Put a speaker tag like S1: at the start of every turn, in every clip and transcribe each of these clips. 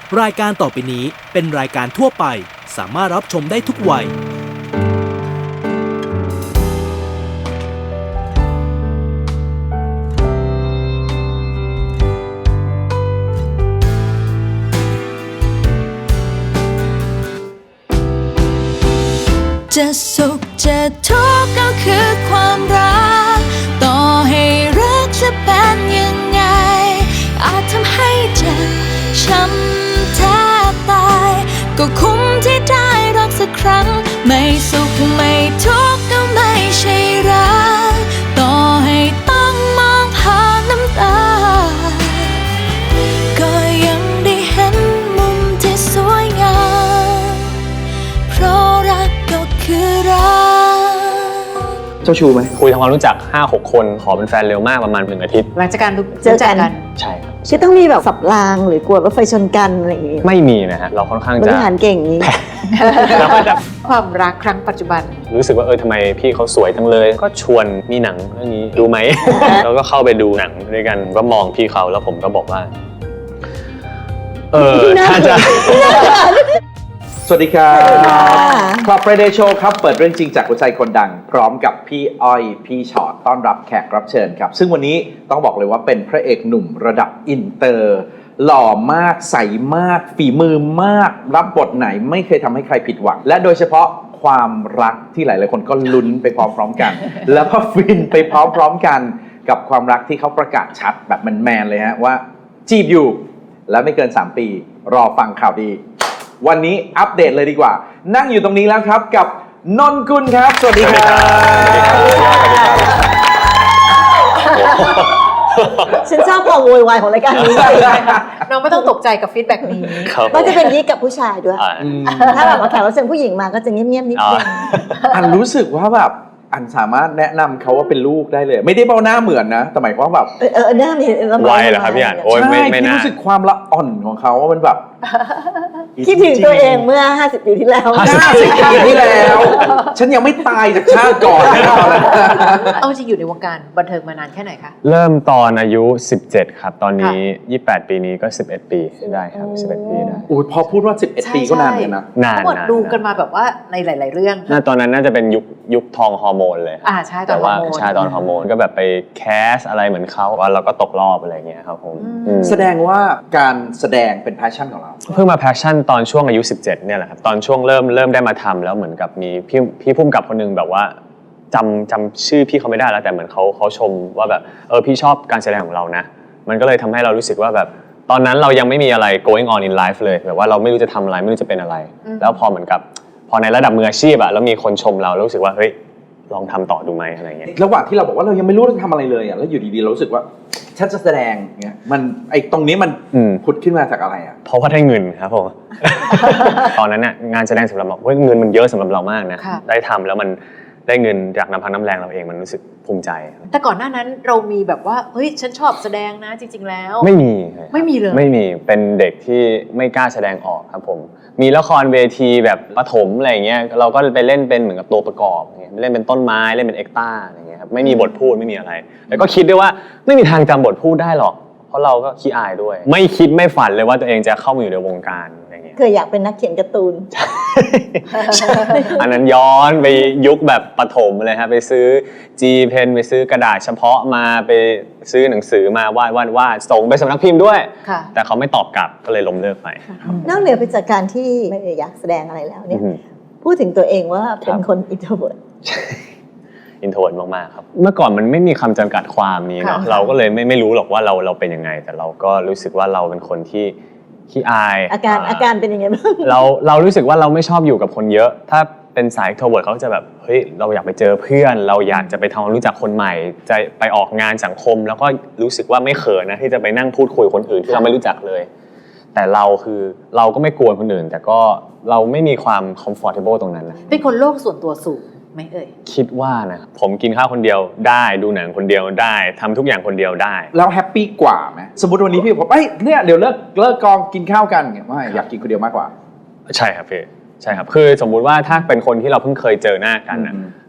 S1: รายการต่อไปนี้เป็นรายการทั่วไปสามารถรับชมได้ทุกวัย
S2: จะสุขจะทุกข์ก็คือความรักต่อให้รักจะเป็นยังไงอาจทำให้เจ็บช้ำแทบตายก็คุ้มที่ได้รักสักครั้งไม่สุขไม่ทุกข์ก็ไม่ใช่รักต่อให้ต้องมองผ่านน้ำตาก็ยังได้เห็นมุมที่สวยงามเพราะรักก็คือรัก
S3: เจ้าชู้ไหม
S4: คุยทำความรู้จัก 5-6 คนขอเป็นแฟนเร็วมากประมาณ1 อาทิตย์
S5: หลังจากการ
S6: เจอกัน
S4: ใช่ครับ
S6: คือต้องมีแบบสับรางหรือกลัวรถไฟชนกันอะไรอย่างงี้
S4: ไม่มีนะฮะเราค่อนข้างจะ
S6: บริหารเก่งนี้
S4: เราก็จะ
S5: ความรักครั้งปัจจุบัน
S4: รู้สึกว่าทำไมพี่เขาสวยจังเลยก็ชวนมีหนังเรื่องนี้ดูไหม แล้วก็เข้าไปดูหนังด้วยกันก็มองพี่เขาแล้วผมก็บอกว่าถ้าจะ
S3: สวัสดีครับคลับ Friday Show ครับเปิดเรื่องจริงจากหัวใจคนดังพร้อมกับพี่อ้อยพี่ชอตต้อนรับแขกรับเชิญครับซึ่งวันนี้ต้องบอกเลยว่าเป็นพระเอกหนุ่มระดับอินเตอร์หล่อมากใสมากฝีมือมากรับบทไหนไม่เคยทำให้ใครผิดหวังและโดยเฉพาะความรักที่หลายๆคนก็ลุ้นไปพร้อมๆกันแล้วก็ฟินไปพร้อมๆกันกับความรักที่เขาประกาศชัดแบบแมนๆเลยฮะว่าจีบอยู่และไม่เกิน3 ปีรอฟังข่าวดีวันนี้อัปเดตเลยดีกว่านั่งอยู่ตรงนี้แล้วครับกับนนกุลครับสวัสดีครับ
S6: ฉันชอบความโวยวายของรายการนี้
S5: น้องไม่ต้องตกใจกับฟีดแบ็กนี้
S6: มันจะเป็นยี่กับผู้ชายด้วยถ้าแบบว่าแขกรับเชิญผู้หญิงมาก็จะเงียบๆนิดนึง
S3: อันรู้สึกว่าแบบอันสามารถแนะนำเขาว่าเป็นลูกได้เลยไม่ได้เบ้าหน้าเหมือนนะแต่หมายความว่าแบบ
S6: หน้ามี
S4: ไวเหรอครับพี่อันโอ้ยไม่น่า
S3: รู้สึกความละอ่อนของเขาว่ามันแบบ
S6: คิดถึงตัวเองเมื่อ50 ปีที่แล้ว
S3: 50 ปีที่แล้วฉันยังไม่ตายจากชาติก่อน
S5: เอาจริงอยู่ในวงการบันเทิงมานานแค่ไหนคะ
S4: เริ่มตอนอายุ17ครับตอนนี้28 ปีนี้ก็11 ปีได้ครับ11 ปีได้
S3: โอ้ยพอพูดว่า11 ปีก็นานเลยนะ
S4: นาน
S5: ทั้งหมดดูกันมาแบบว่าในหลายๆเรื่อง
S4: ตอนนั้นน่าจะเป็นยุคทองฮอร์โมนเลย
S5: ใช่ตอนฮอร์โมน
S4: ใช่ตอนฮอร์โมนก็แบบไปแคสอะไรเหมือนเขาว่าเราก็ตกรอบอะไรเงี้ยครับผม
S3: แสดงว่าการแสดงเป็นแพชชั่นของเรา
S4: เพิ่งมาแพชชั่นตอนช่วงอายุ17เนี่ยแหละครับตอนช่วงเริ่มได้มาทำแล้วเหมือนกับมีพี่พุ่มกับคนนึงแบบว่าจำชื่อพี่เขาไม่ได้แล้วแต่เหมือนเขาชมว่าแบบพี่ชอบการแสดงของเรานะมันก็เลยทำให้เรารู้สึกว่าแบบตอนนั้นเรายังไม่มีอะไร going on in life เลยแบบว่าเราไม่รู้จะทำอะไรไม่รู้จะเป็นอะไรแล้วพอเหมือนกับพอในระดับมืออาชีพอะแล้วมีคนชมเรารู้สึกว่าเฮ้ยลองทำต่อดูไหมอะไรเงี้ย
S3: ระหว่างที่เราบอกว่าเรายังไม่รู้จะทำอะไรเลยอะแล้วอยู่ดีๆเรารู้สึกว่าฉันจะแสดงเงี้ยมันตรงนี้มันผุดขึ้นมาจากอะไรอะ
S4: เพราะว่าได้เงินครับผมตอนนั้นเนี่ยงานแสดงสำหรับเราเงินมันเยอะสำหรับเรามากนะได้ทำแล้วมันได้เงินจากน้ำพักน้ำแรงเราเองมันรู้สึกภูมิใจ
S5: แต่ก่อนหน้านั้นเรามีแบบว่าเฮ้ยฉันชอบแสดงนะจริงๆแล้ว
S4: ไม่มี
S5: เลย
S4: ไม่มีเป็นเด็กที่ไม่กล้าแสดงออกครับผมมีละครเวทีแบบประถมอะไรเงี้ยเราก็ไปเล่นเป็นเหมือนกับตัวประกอบเล่นเป็นต้นไม้เล่นเป็นเอ็กต้าอะไรเงี้ยครับไม่มีบทพูดไม่มีอะไรแล้วก็คิดด้วยว่าไม่มีทางจำบทพูดได้หรอกเพราะเราก็ขี้อายด้วยไม่คิดไม่ฝันเลยว่าตัวเองจะเข้ามาอยู่ในวงการอะไรเงี้ย
S6: เคยอยากเป็นนักเขียนการ์ตูน
S4: อันนั้นย้อนไปยุคแบบประถมเลยครับไปซื้อ G Pen ไปซื้อกระดาษเฉพาะมาไปซื้อหนังสือมาวาดส่งไปสำนักพิมพ์ด้วยแต่เขาไม่ตอบกลับก็เลยล้มเลิกไป
S6: นอกเหนือไปจากการที่ไม่อยากแสดงอะไรแล้วเนี่ยพูดถึงตัวเองว่าเป็นคน introvert
S4: introvert มากๆครับเมื่อก่อนมันไม่มีคำจำกัดความนี้เนาะเราก็เลยไม่รู้หรอกว่าเราเป็นยังไงแต่เราก็รู้สึกว่าเราเป็นคนที่ขี้อาย
S6: อาการเป็นยังไงบ้าง
S4: เรารู้สึกว่าเราไม่ชอบอยู่กับคนเยอะถ้าเป็นสาย extrovert เขาจะแบบเฮ้ยเราอยากไปเจอเพื่อนเราอยากจะไปทำความรู้จักคนใหม่จะไปออกงานสังคมแล้วก็รู้สึกว่าไม่เขินนะที่จะไปนั่งพูดคุยคนอื่นที่เราไม่รู้จักเลยแต่เราก็ไม่กลัวคนอื่นแต่ก็เราไม่มีความ comfortable ตรงนั้นนะ
S5: เป็นคนโลกส่วนตัวสูงไหม
S4: คิดว่านะผมกินข้าวคนเดียวได้ดูหนังคนเดียวได้ทำทุกอย่างคนเดียวได้
S3: แล้วแฮปปี้กว่าไหมสมมติวันนี้พี่บอกเนี่ยเดี๋ยวเลิกกองกินข้าวกันไม่อยากกินคนเดียวมากกว่า
S4: ใช่ครับพี่ใช่ครับคือสมมุติว่าถ้าเป็นคนที่เราเพิ่งเคยเจอหน้ากันนะ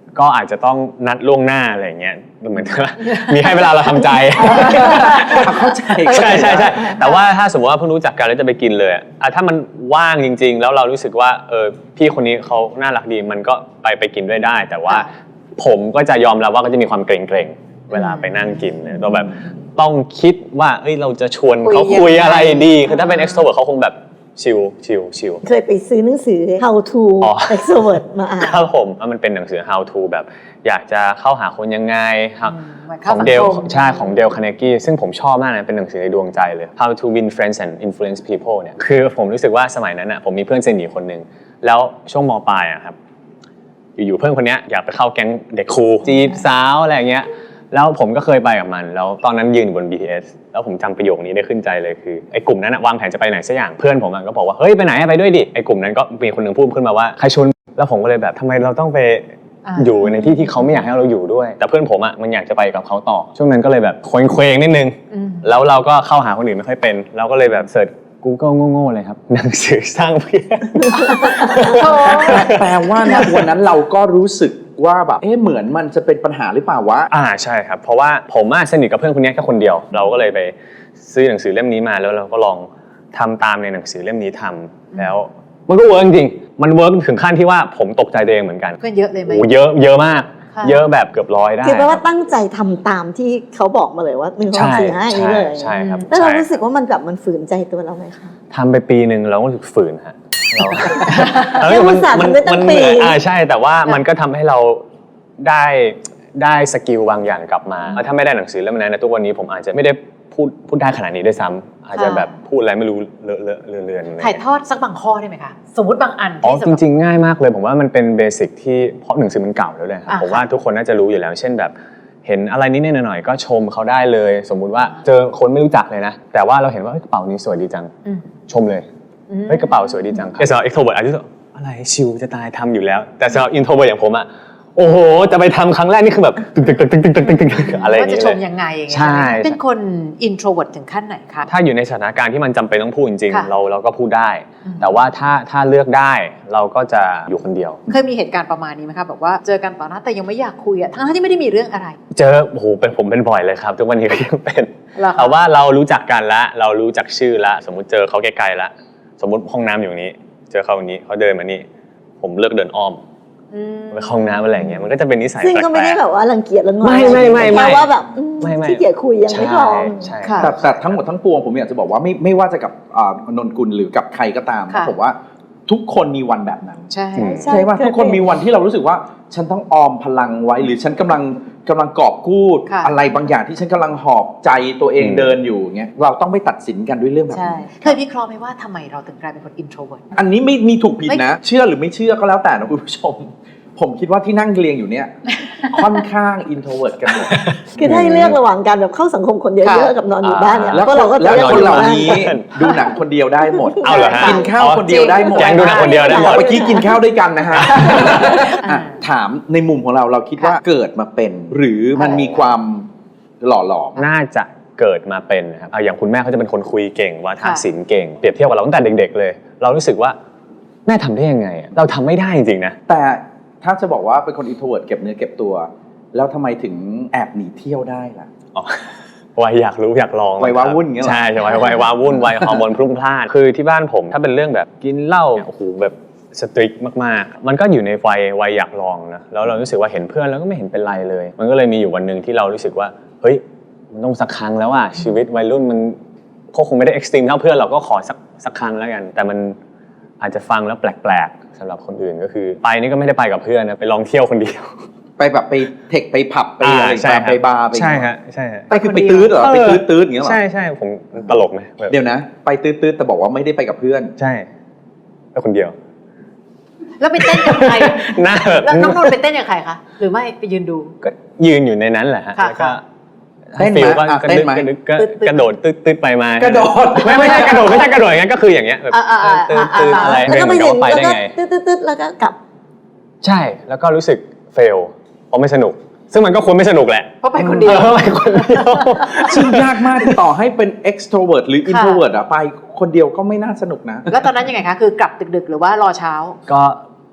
S4: ก็อาจจะต้องนัดล่วงหน้าอะไรอย่างเงี้ยเหมือนว่ามีให้เวลาเราทำใจ
S3: เข้าใจ
S4: ใช่ใช่ใช่แต่ว่าถ้าสมมติว่าเพิ่งรู้จักกันแล้วจะไปกินเลยถ้ามันว่างจริงๆแล้วเรารู้สึกว่าพี่คนนี้เขาน่ารักดีมันก็ไปกินด้วยได้ แต่ว่าผมก็จะยอมรับว่าก็จะมีความเกรงๆเวลาไปนั่งกินเนี่ยต้องแบบต้องคิดว่าเราจะชวนเขาคุยอะไรดีคือถ้าเป็น extrovert เขาคงแบบชิล
S6: เคยไปซื้อหนังสือ How to
S4: อ๋อ
S6: Extrovert มาอ่าน
S4: ครับผมมันเป็นหนังสือ how to แบบอยากจะเข้าหาคนยังไง
S5: เหมือน
S4: ข
S5: เข้า
S4: อง
S5: สัง
S4: เดล
S5: คม
S4: ใช่ของเดลคาร์เนกี้ซึ่งผมชอบมากนะเป็นหนังสือในดวงใจเลย how to win friends and influence people เนี่ยคือผมรู้สึกว่าสมัยนั้นอ่ะผมมีเพื่อนสนิทคนหนึ่งแล้วช่วงม.ปลายอะครับอยู่ๆเพื่อนคนนี้อยากไปเข้าแก๊งเด็กคูลจีบสาวอะไรอย่างเงี้ยแล้วผมก็เคยไปกับมันแล้วตอนนั้นยืนอยู่บน BTS แล้วผมจำประโยคนี้ได้ขึ้นใจเลยคือไอ้กลุ่มนั้นวางแผนจะไปไหนสักอย่างเพื่อนผมก็บอกว่าเฮ้ยไปไหนไปด้วยดิไอ้กลุ่มนั้นก็มีคนหนึ่งพูดขึ้นมาว่าใครชวนแล้วผมก็เลยแบบทำไมเราต้องไปอยู่ในที่ที่เขาไม่อยากให้เราอยู่ด้วยแต่เพื่อนผมมันอยากจะไปกับเขาต่อช่วงนั้นก็เลยแบบเคว้งนิดนึงแล้วเราก็เข้าหาคนอื่นไม่ค่อยเป็นเราก็เลยแบบเสิร์ช Google โง่ๆเลยครับหนังสือสร้างเพื่อน
S3: แปลว่านะวันนั้นเราก็รู้สึกว่าแบบเหมือนมันจะเป็นปัญหาหรือเปล่าวะ
S4: ใช่ครับเพราะว่าผมสนิทกับเพื่อนคนนี้แค่คนเดียวเราก็เลยไปซื้อหนังสือเล่มนี้มาแล้วเราก็ลองทำตามในหนังสือเล่มนี้ทำแล้วมันก็เวิร์กจริงๆมันเวิร์กถึงขั้นที่ว่าผมตกใจตัวเองเหมือนกัน
S5: เพื่อนเยอะเลยไหม
S4: โอ้เยอะมาก
S5: ค่ะ
S4: เยอะแบบเกือบ100ได้
S6: คือแปลว่าตั้งใจทำตามที่เขาบอกมาเลยว่า1 2
S4: ใช่
S6: 4 5อย่างนี้เลย
S4: ใช่ครับ
S6: แล้วเรา
S4: ใช่
S6: รู้สึกว่ามันฝืนใจตัวเราไหมคะ
S4: ทำไปปีหนึ่งเราก็รู้สึกฝืนฮะเรา
S6: ยังอุตส่าห์ทำได้ตั้งปี
S4: ใช่แต่ว่ามันก็ทำให้เราได้สกิลบางอย่างกลับมาถ้าไม่ได้หนังสือเล่มนั้นนะทุกวันนี้ผมอาจจะไม่ได้พูดได้ขนาดนี้ด้วยซ้ำอาจจะแบบพูดอะไรไม่รู้เลอะเลือนๆ
S5: ถ่ายทอดสักบางข้อได้ไหมคะสมมติบางอัน
S4: อ๋อ
S5: ที่
S4: จริงๆง่ายมากเลยผมว่ามันเป็นเบสิกที่เพราะหนังสือมันเก่าแล้วเลยครับผมว่าทุกคนน่าจะรู้อยู่แล้วเช่นแบบเห็นอะไรนิดๆหน่อยๆก็ชมเขาได้เลย สมมุติว่าเจอคนไม่รู้จักเลยนะแต่ว่าเราเห็นว่ากระเป๋านี้สวยดีจังชมเลยเฮ้ยกระเป๋าสวยดีจังแต่สำหรับ extrovert อาจจะอะไรชิลจะตายทำอยู่แล้วแต่สำหรับ introvert อย่างผมโอ้โหจะไปทำครั้งแรกนี่คือแบบตึกอะไรอย่าง
S5: ว่าจะ
S4: นี้
S5: ช
S4: เล
S5: ม
S4: ย
S5: ยังไงอย่างเงี้ย
S4: ใช่
S5: เป็นคน introvert ถึงขั้นไหนคะ
S4: ถ้าอยู่ในสถานการณ์ที่มันจำเป็นต้องพูดจริง
S5: ค่ะ
S4: ๆเราก็พูดได้ แต่ว่าถ้าเลือกได้เราก็จะอยู่คนเดียว
S5: เคยมีเหตุการณ์ประมาณนี้ไหมคะแบบว่าเจอกันต่อหน้าแต่ยังไม่อยากคุยอะทั้งที่ไม่ได้มีเรื่องอะไร
S4: เจอโอ้โหผมเป็นบ่อยเลยครับทุกวันนี้ก็ยังเป็น
S5: เหรอคะ
S4: แต่ว่าเรารู้จักกันละเรารู้จักชื่อละสมมุติเจอเขาไกลๆละสมมุติห้องน้ำอยู่นี้ เจอเขาอย่างนี้เขาเดินมานี่ผมเลือกเดินอ้อมไปเข้าห้องน้ำอะไรอย่างเงี้ยมันก็จะเป็นนิสัย
S6: ซึ่งก็ไม่ได้
S4: แปล
S6: แบบว่ารังเกียจแล้วงอน
S4: ไม่
S6: แค่ว่าแบบ
S4: ไม่
S6: ขี้เกียจคุยยังไม่พร้อม
S4: ใช่
S5: ค่ะ
S3: แต่ทั้งหมดทั้งปวงผมอยากจะบอกว่าไม่ว่าจะกับนนกุลหรือกับใครก็ตาม
S5: ค่ะ
S3: ผมว่าทุกคนมีวันแบบนั้น
S5: ใช่
S3: ใช่ว่าทุกคนมีวันที่เรารู้สึกว่าฉันต้องออมพลังไว้หรือฉันกำลังกอบกู้
S5: ค่ะ
S3: อะไรบางอย่างที่ฉันกำลังหอบใจตัวเองเดินอยู่เงี้ยเราต้องไม่ตัดสินกันด้วยเรื่องแบบ
S5: ใช่
S3: นี้
S5: เคยวิเคราะห์ไหมว่าทำไมเราถึงกลายเป็นคน introvert
S3: อันนี้ไม่มีถูกผิด
S5: ไม่
S3: นะ เชื่อหรือไม่เชื่อก็แล้วแต่นะคุณผู้ชม ผมคิดว่าที่นั่งเรียงอยู่เนี่ย ค่อนข้างอินโทรเวิร์ตกันหมด
S6: คือถ้าให้เลือกระหว่างการแบบเข้าสังคมคนเยอะๆกับนอนอยู่บ้านเนี่ย
S3: แล้ว
S6: ก็เราก็จะ
S3: แล้ว
S6: เลือก
S3: คน
S6: อยู่
S3: เหล่า
S6: บ้าน
S3: นี้ดูหนังคนเดียวได้หมด
S4: เอาเหรอฮะ
S3: กินข้าวคนเดียวได้หมด
S4: แกงดูหนังคนเดียวได้หมด
S3: เมื่อกี้กินข้าวด้วยกันนะฮะอ่ะถามในมุมของเราคิดว่าเกิดมาเป็น หรือมันมีความหล่อหลอม
S4: น่าจะเกิดมาเป็นนะครับอย่างคุณแม่เขาจะเป็นคนคุยเก่งวาทศิลป์เก่งเปรียบเทียบกับเราตั้งแต่เด็กๆเลย เรารู้สึกว่าแม่ทำได้ยังไงเราทำไม่ได้จริงๆนะ
S3: แต่ถ้าจะบอกว่าเป็นคนอินโทรเวิร์ตเก็บเนื้อเก็บตัว แล้วทำไมถึงแอบหนีเที่ยวได้ล่ะ
S4: อ๋อวัยอยากรู้อยากลอง
S3: วัยว้าวุ่นอย่างเงี้ยเหรอ
S4: ใช่ใช่วัยว้าวุ่นวัยฮอร์โมนพรุ่งพล่านคือที่บ้านผมถ้าเป็นเรื่องแบบกินเหล้าโอ้โหแบบสตริกมากๆมันก็อยู่ในวัยอยากลองนะแล้วเรารู้สึกว่าเห็นเพื่อนแล้วก็ไม่เห็นเป็นไรเลย มันก็เลยมีอยู่วันหนึ่งที่เรารู้สึกว่าเฮ้ยมันต้องสักครั้งแล้วอ่ะชีวิตวัยรุ่นมันก็คงไม่ได้เอ็กซ์ตรีมเท่าเพื่อนเราก็ขอสักครั้งแล้วกันแต่มันอาจจะฟังแล้วแปลกๆสำหรับคนอื่นก็คือไปนี่ก็ไม่ได้ไปกับเพื่อนนะไปลองเที่ยวคนเดียว
S3: ไปแบบไปเทคไปผับไปอะไร
S4: ใช่ครับ
S3: ไปบาร์ไป
S4: ใช่ฮะใช่ฮะ
S3: ไปคือไปตื้อเหรอไปตื้ออย่างเงี้ยเหรอ
S4: ใช่ผมตลกไหมแบบ
S3: เดี๋ยวนะ ไปตื้อแต่บอกว่าไม่ได้ไปกับเพื่อน
S4: ใช่ไปคนเดียว
S5: แล้วไปเต้นกับใคร
S4: หน้าแบบ
S5: แล้วน้องนนท์ไปเต้นกับใครคะหรือไม่ไปยืนดู
S4: ก็ยืนอยู่ในนั้นแหละฮะ
S5: ค่ะ
S4: แล้วก็
S3: เต้นไหม
S4: ฟิลก็
S3: อ่ะ
S4: กระ
S3: เต้น
S4: ดึ๊บ
S3: ไหม
S4: กระดึ๊บก็
S5: ตึ๊ดๆ
S4: กระโดดตึ๊ดไปมา
S3: กระโดด
S4: ไม่ใช่กระโดดไม่ใช่กระโดดอย่างนั้นก็คืออย่างเงี้ยแบบ ตึ๊ดอะไร
S6: แล้วก็ไป
S4: เดิ
S6: ถึ
S4: น
S6: ง
S4: ไป
S6: แล้ว
S4: ได้
S6: ก็
S4: ไง
S6: ตึ๊ดๆแล้วก็กลับ
S4: ใช่แล้วก็รู้สึกเฟลเพราะไม่สนุก ซึ่งมันก็ควรไม่สนุกแหละ
S5: เพราะไปคนเดียว
S4: ไปคนเดียว
S3: ซึ่งยากมากต่อให้เป็น extrovert หรือ introvert อะไปคนเดียวก็ไม่น่าสนุกนะ
S5: แล้วตอนนั้นยังไงคะคือกลับดึกๆหรือว่ารอเช้า
S4: ก็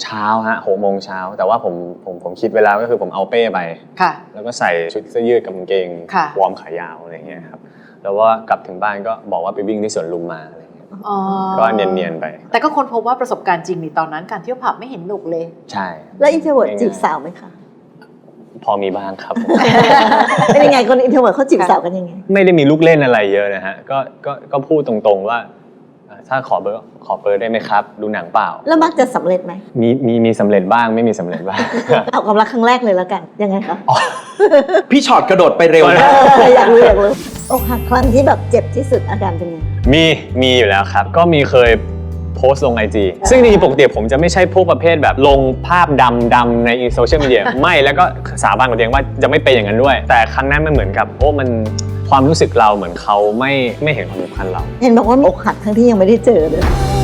S4: เช้าฮะ6 โมงเช้าแต่ว่าผมคิดเวลาก็คือผมเอาเป้ไป
S5: ค่ะ
S4: แล้วก็ใส่ชุดเสื้อยืดกับกางเกง
S5: ค่ะ
S4: วอร์มขายาวอะไรเงี้ยครับแล้วว่ากลับถึงบ้านก็บอกว่าไปวิ่งที่สวนลุมมาอะไรเงี้ย
S5: อ๋อ
S4: ก็เนียนๆไป
S5: แต่ก็ค้นพบว่าประสบการณ์จริงในตอนนั้นการเที่ยวผับไม่เห็นหนุกเลย
S4: ใช่
S6: แล้วอินเทอร์เวิร์ดจีบสาวไหมคะ
S4: พอมีบ้างครับ
S6: เป็นยังไงคนอินเทอร์เวิร์ดเขาจีบสาวกันยังไง
S4: ไม่ได้มีลูกเล่นอะไรเยอะนะฮะก็พูดตรงๆว่าถ้าขอเบอร์ได้ไหมครับ ดูหนังเปล่า
S6: แล้วมักจะสำเร็จไหม
S4: มีสำเร็จบ้างไม่มีสำเร็จบ้าง
S6: เอาความรักครั้งแรกเลยแล้วกัน ยังไงคะ
S3: พี่ช็อตกระโดดไปเร็วมาก
S6: อยากรู้อกหักครั้งที่แบบเจ็บที่สุดอาการเป็นยังไง
S4: มีอยู่แล้วครับ ก็มีเคยโพสต์ลง IG ซึ่งจริงๆปกติผมจะไม่ใช่พวกประเภทแบบลงภาพดำๆในโซเชียลมีเดีย ไม่แล้วก็สาบานกับตัวเองว่าจะไม่เป็นอย่างนั้นด้วย แต่ครั้งนั้นมันเหมือนกับมันความรู้สึกเราเหมือนเขาไม่เห็นความสำคัญเรา
S6: เห็นบอกว่าอกหักทั้งที่ยังไม่ได้เจอเลย